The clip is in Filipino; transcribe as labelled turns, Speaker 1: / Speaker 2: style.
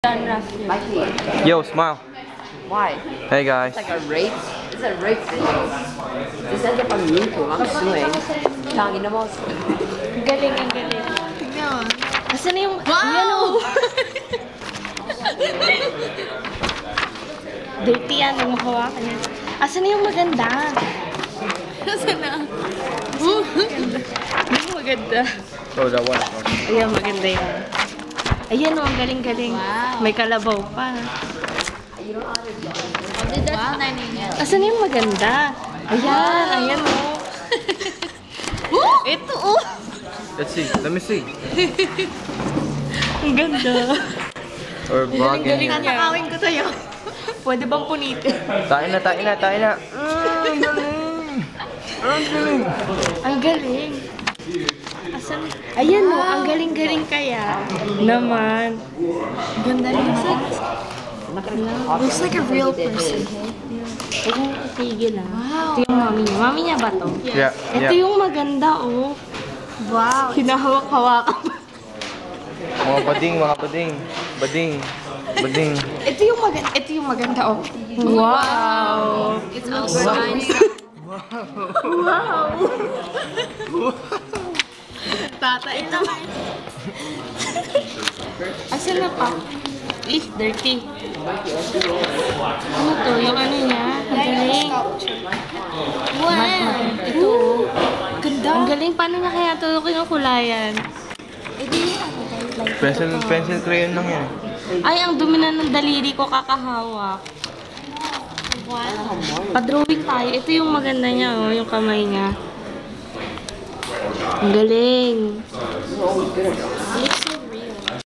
Speaker 1: Yo, smile.
Speaker 2: Why?
Speaker 1: Hey guys.
Speaker 2: It's like a rape. It's a rape video. This ends up on YouTube. I'm suing. Tangin na mo.
Speaker 3: Ang galing, ang galing. Tignan mo. Asan na yung...
Speaker 4: Wow!
Speaker 3: Dirty yan, yung mahawakan yan. Asan na yung maganda?
Speaker 4: Asan na?
Speaker 3: Yung maganda.
Speaker 1: Oh, that one.
Speaker 3: Ayan, maganda yan. Ayan o, ang galing-galing.
Speaker 4: Wow.
Speaker 3: May kalabaw pa.
Speaker 4: Wow.
Speaker 3: Asan na yung maganda? Ayan, ayan o. Ito o.
Speaker 1: Let's see. Let me see.
Speaker 3: Ang ganda.
Speaker 1: Or vlogging here.
Speaker 3: Tatakawin ko sa'yo. Pwede bang punitin?
Speaker 1: Tayo na, tayo na, tayo na. Ang galing. Ang galing.
Speaker 3: Ang galing. Asan? Ayan o, ang galing-galing kaya. Naman.
Speaker 4: Ganda rin siya. Looks like a real person.
Speaker 3: Huwag mong itigil ah.
Speaker 4: Wow.
Speaker 3: Ito yung mami niya. Mami niya ba to?
Speaker 1: Yeah,
Speaker 3: Ito
Speaker 1: yeah.
Speaker 3: yung maganda oh.
Speaker 4: Wow.
Speaker 3: Hinahawak-hawakan.
Speaker 1: Mga bading, mga bading. Bading. Bading.
Speaker 3: Ito yung maganda oh. Wow.
Speaker 4: It's also nice.
Speaker 3: Wow. Tatain naman. Asan na pa? Dirty. Ano to? Yung ano niya? Ang galing.
Speaker 4: Wow.
Speaker 3: Ito oh.
Speaker 4: Ganda.
Speaker 3: Ang galing. Paano niya kaya ito kinukulayan?
Speaker 1: Pencil crayon lang yan.
Speaker 3: Ay, ang dumi na ng daliri ko kakahawak.
Speaker 4: Wow.
Speaker 3: Pa-drawing tayo. Ito yung maganda niya, oh, yung kamay niya. Ang galing.
Speaker 4: Looks